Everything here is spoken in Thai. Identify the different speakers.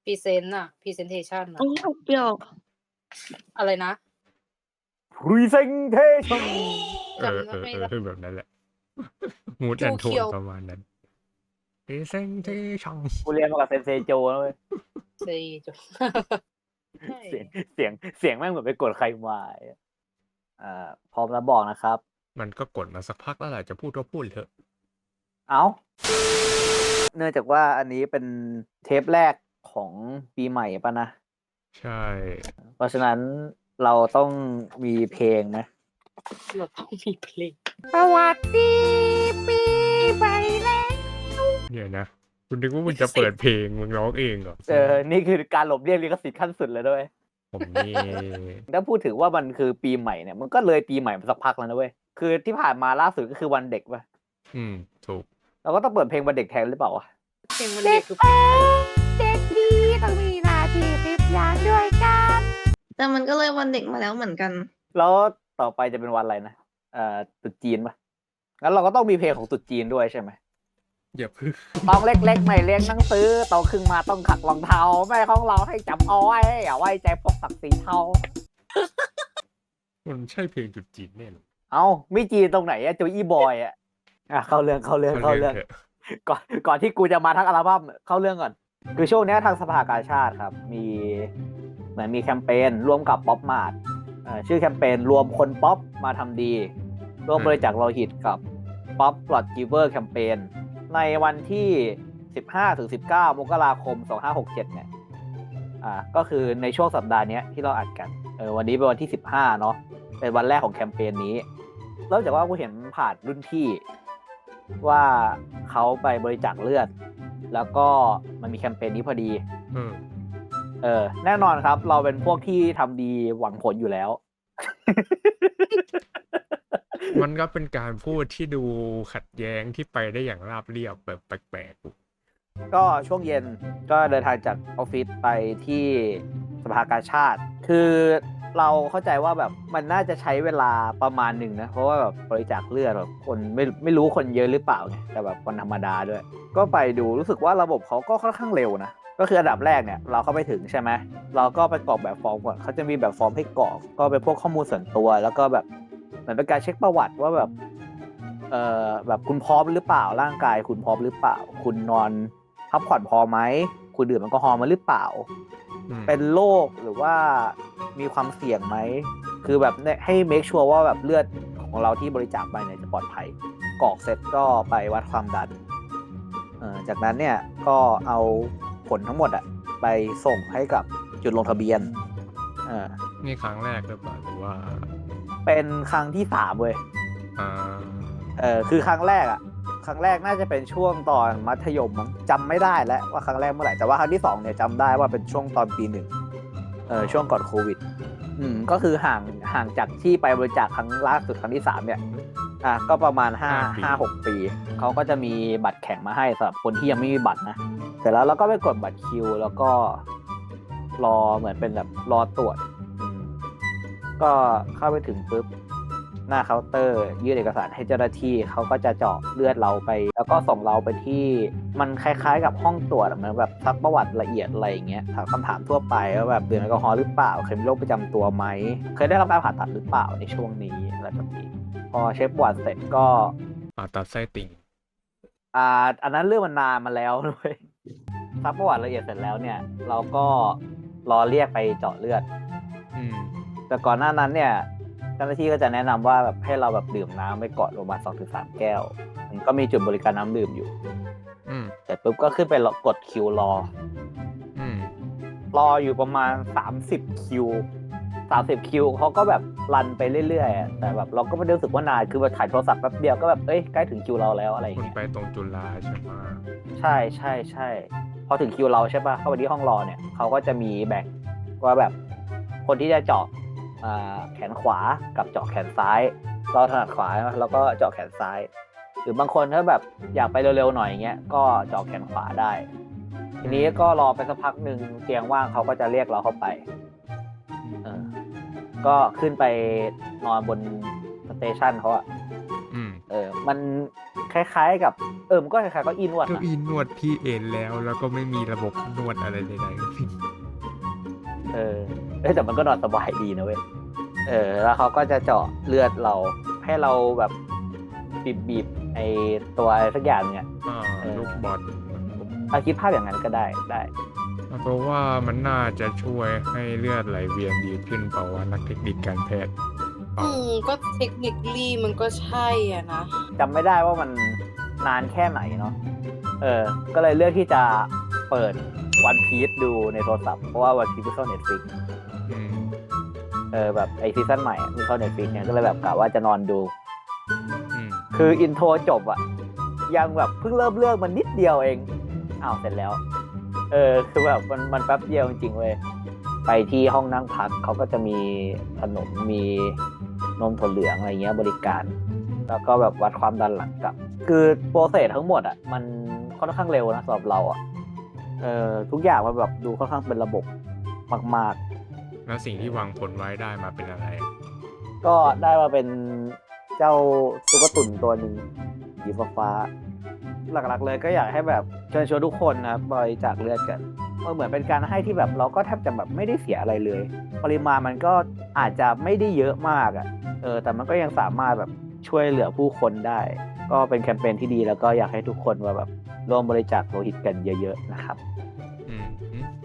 Speaker 1: พรีเซนต์อะ presentation
Speaker 2: อัน
Speaker 1: อะ
Speaker 2: นี้ออกเปรี้ยว
Speaker 1: อะไรนะ?
Speaker 3: presentation
Speaker 1: จำไม่ได้
Speaker 4: แบบนั้นแหละ mood
Speaker 1: จู
Speaker 4: and
Speaker 1: เคีย
Speaker 4: tone
Speaker 1: ว
Speaker 4: ประมาณนั้น presentation
Speaker 3: กูเรียนมากับเซนเซโจนะเว้ย
Speaker 1: เซโจ ใช่
Speaker 3: เสียงแม่งเหมือนไปกดใครมา พร้อมแล้วบอกนะครับ
Speaker 4: มันก็กดมาสักพักแล้วแหละ จะพูดก็พูดเถอะ
Speaker 3: อ้าว เนื่องจากว่าอันนี้เป็นเทปแรกของปีใหม่ป่ะนะ?
Speaker 4: ใช่
Speaker 3: เพราะฉะนั้นเราต้องมีเพลงไหม?
Speaker 1: เราต้องมีเพลง
Speaker 3: สวัสดีปีใหม่แล้ว
Speaker 4: เดี๋ยวนะ กูนึกว่ามึงจะเปิดเพลง มึงร้องเองเหรอ?
Speaker 3: นี่คือการหลบเลี่ยงลิขสิทธิ์ขั้นสุดเลยด้วย
Speaker 4: ผมนี่
Speaker 3: ถ้าพูดถึงว่ามันคือปีใหม่เนี่ย มันก็เลยปีใหม่มาสักพักแล้วนะเว้ย คือที่ผ่านมาล่าสุดก็คือวันเด็กเว้ย
Speaker 4: ถูก
Speaker 3: เราก็ต้องเปิดเพลงวันเด็กแทนหรือเปล่าวะ?
Speaker 1: เพลงวันเด็กคือ
Speaker 3: เด็กดีต้องมีหน้าที่10 อย่างด้วยกัน
Speaker 2: แต่มันก็เลยวันเด็กมาแล้วเหมือนกัน
Speaker 3: แล้วต่อไปจะเป็นวันอะไรนะ? ตรุษจีนเปล่า? งั้นเราก็ต้องมีเพลงของตรุษจีนด้วยใช่ไหม?
Speaker 4: อย่าพึ่ง
Speaker 3: ต้องเล็ก ๆ ไม่เรียนหนังสือ โตขึ้นมาต้องขัดรองเท้า แม่ของเราให้จำเอาไว้ อย่าไว้ใจพวกศักดิ์ศรีเทา
Speaker 4: มันใช่เพลงตรุษจีนแน่เหรอ?
Speaker 3: อ้าว ไม่จีนตรงไหนอะ โจอี้บอยอะ เข้าเรื่อง
Speaker 4: เข้าเรื่องเถอะ
Speaker 3: ก่อนที่กูจะมาทั้งอัลบั้ม เข้าเรื่องก่อน คือช่วงเนี้ยทางสภากาชาดครับ เหมือนมีแคมเปญร่วมกับ PopMart ชื่อแคมเปญรวมคนป๊อปมาทำดี ร่วมบริจาคโลหิตกับ Pop Blood Giver Campaign ในวันที่ 15-19 มกราคม 2567 เนี่ย ก็คือในช่วงสัปดาห์เนี้ยที่เราอัดกัน วันนี้เป็นวันที่ 15 เนาะ เป็นวันแรกของแคมเปญนี้ เริ่มจากว่ากูเห็นผ่านรุ่นพี่ว่าเขาไปบริจาคเลือด แล้วก็มันมีแคมเปญนี้พอดี แน่นอนครับ เราเป็นพวกที่ทำดีหวังผลอยู่แล้ว
Speaker 4: มันก็เป็นการพูดที่ดูขัดแย้งที่ไปได้อย่างราบเรียบแบบแปลกๆ
Speaker 3: ก็ช่วงเย็นก็เดินทางจากออฟฟิศไปที่สภากาชาด คือเราเข้าใจว่าแบบมันน่าจะใช้เวลาประมาณหนึ่งนะ เพราะว่าแบบบริจาคเลือดแบบคนไม่รู้คนเยอะหรือเปล่าไง แต่แบบวันธรรมดาด้วย ก็ไปดูรู้สึกว่าระบบเขาก็ค่อนข้างเร็วนะ ก็คืออันดับแรกเนี่ยเราเข้าไปถึงใช่ไหม เราก็ไปกรอกแบบฟอร์มก่อน เขาจะมีแบบฟอร์มให้กรอก ก็เป็นพวกข้อมูลส่วนตัว แล้วก็แบบเหมือนเป็นการเช็คประวัติว่าแบบแบบคุณพร้อมหรือเปล่า ร่างกายคุณพร้อมหรือเปล่า คุณนอนพักผ่อนพอไหม คุณดื่มแอลกอฮอล์มาหรือเปล่า เป็นโรคหรือว่ามีความเสี่ยงไหม คือแบบให้ make sure ว่าแบบเลือดของเราที่บริจาคไปเนี่ยจะปลอดภัย กรอกเสร็จก็ไปวัดความดัน จากนั้นเนี่ยก็เอาผลทั้งหมดอะไปส่งให้กับจุดลงทะเบียน
Speaker 4: นี่ครั้งแรกหรือเปล่า หรือว่า?
Speaker 3: เป็นครั้งที่ 3 เว้ย คือครั้งแรกน่าจะเป็นช่วงตอนมัธยมมั้ง จำไม่ได้แล้วว่าครั้งแรกเมื่อไหร่ แต่ว่าครั้งที่ 2 เนี่ยจำได้ว่าเป็นช่วงตอนปี 1 ช่วงก่อนโควิด ก็คือห่างจากที่ไปบริจาคครั้งล่าสุดครั้งที่ 3 เนี่ย ก็ประมาณ 5-6 ปี เขาก็จะมีบัตรแข็งมาให้สำหรับคนที่ยังไม่มีบัตรนะ เสร็จแล้วเราก็ไปกดบัตรคิว แล้วก็รอเหมือนเป็นแบบรอตรวจ ก็เข้าไปถึงปุ๊บ หน้าเคาน์เตอร์ยื่นเอกสารให้เจ้าหน้าที่ เขาก็จะเจาะเลือดเราไป แล้วก็ส่งเราไปที่มันคล้ายๆกับห้องตรวจเหมือนแบบซักประวัติละเอียดอะไรอย่างเงี้ย ถามคำถามทั่วไปว่าแบบดื่มแอลกอฮอล์หรือเปล่า เคยมีโรคประจำตัวไหม เคยได้รับการผ่าตัดหรือเปล่าในช่วงนี้อะไรแบบนี้ พอเช็คประวัติเสร็จก็
Speaker 4: ผ่าตัดไส้ติ่ง
Speaker 3: อันนั้นเรื่องมันนานมาแล้วนะเว้ย ซักประวัติละเอียดเสร็จแล้วเนี่ย เราก็รอเรียกไปเจาะเลือด แต่ก่อนหน้านั้นเนี่ย เจ้าหน้าที่ก็จะแนะนำว่าแบบให้เราแบบดื่มน้ำไปก่อนประมาณ 2-3 แก้ว มันก็มีจุดบริการน้ำดื่มอยู่ เสร็จปุ๊บก็ขึ้นไปกดคิวรอ รออยู่ประมาณ 30 คิว 30 คิวเขาก็แบบรันไปเรื่อยๆ แต่แบบเราก็ไม่ได้รู้สึกว่านาน คือแบบถ่ายโทรศัพท์แป๊บเดียวก็แบบใกล้ถึงคิวเราแล้วอะไรอย่าง
Speaker 4: คุณ
Speaker 3: เงี้ย
Speaker 4: ไปตรงจุฬาใช่ไหม?
Speaker 3: ใช่ ๆ ๆ พอถึงคิวเราใช่เปล่า เข้าไปที่ห้องรอเนี่ย เขาก็จะมีแบ่งว่าแบบคนที่จะเจาะแขนขวากับเจาะแขนซ้าย เราถนัดขวาเราก็เจาะแขนซ้าย หรือบางคนถ้าแบบอยากไปเร็วๆหน่อยอย่างเงี้ย ก็เจาะแขนขวาได้ ทีนี้ก็รอไปสักพักหนึ่ง เตียงว่างเขาก็จะเรียกเราเข้าไป ก็ขึ้นไปนอนบนสเตชันเขาอะ มันคล้ายๆกับมันก็คล้ายๆก็อีนวด
Speaker 4: เก้า
Speaker 3: นะ
Speaker 4: อี้นวดที่เอนแล้วก็ไม่มีระบบนวดอะไรใดๆทั้งสิ้น
Speaker 3: แต่มันก็นอนสบายดีนะเว้ยแล้วเขาก็จะเจาะเลือดเราให้เราแบบบีบไอตัวอะไรสักอย่างเนี่ย
Speaker 4: ลูกบอล
Speaker 3: คิดภาพอย่างนั้นก็ได้
Speaker 4: เพราะว่ามันน่าจะช่วยให้เลือดไหลเวียนดีขึ้นเปล่าวะนักเทคนิคการแพทย์
Speaker 1: ก็เทคนิคลี่มันก็ใช่อ่ะนะ
Speaker 3: จำไม่ได้ว่ามันนานแค่ไหนเนาะก็เลยเลือกที่จะเปิดวันพีซดูในโทรศัพท์เพราะว่าวันพีซเข้า Netflix
Speaker 4: อืม
Speaker 3: แบบไอซีซั่นใหม่ที่เข้า Netflix เนี่ยก็เลยแบบกะว่าจะนอนดู
Speaker 4: อืม
Speaker 3: คืออินโทรจบอะยังแบบเพิ่งเริ่มเรื่องมันนิดเดียวเองเสร็จแล้ว คือแบบมันแป๊บเดียวจริงๆเว้ยไปที่ห้องนั่งพักเขาก็จะมีขนมมีนมถั่วเหลืองอะไรเงี้ยบริการ แล้วก็แบบวัดความดันหลังกลับ คือโปรเซสทั้งหมดอะมันค่อนข้างเร็วนะสำหรับเราอะทุกอย่างมันแบบดูค่อนข้างเป็นระบบมากๆ
Speaker 4: แล้วสิ่งที่วางผลไว้ได้มาเป็นอะไร
Speaker 3: ก็ได้มาเป็นเจ้าตุ๊กตุ่นตัวหนึ่งสีฟ้าหลักๆเลยก็อยากให้แบบเชิญชวนทุกคนนะครับบริจาคเลือดกันเหมือนเป็นการให้ที่แบบเราก็แทบจะแบบไม่ได้เสียอะไรเลย ปริมาณมันก็อาจจะไม่ได้เยอะมากแต่มันก็ยังสามารถแบบช่วยเหลือผู้คนได้ ก็เป็นแคมเปญที่ดีแล้วก็อยากให้ทุกคนมาแบบร่วมบริจาคโลหิตกันเยอะๆนะครับ
Speaker 4: อืม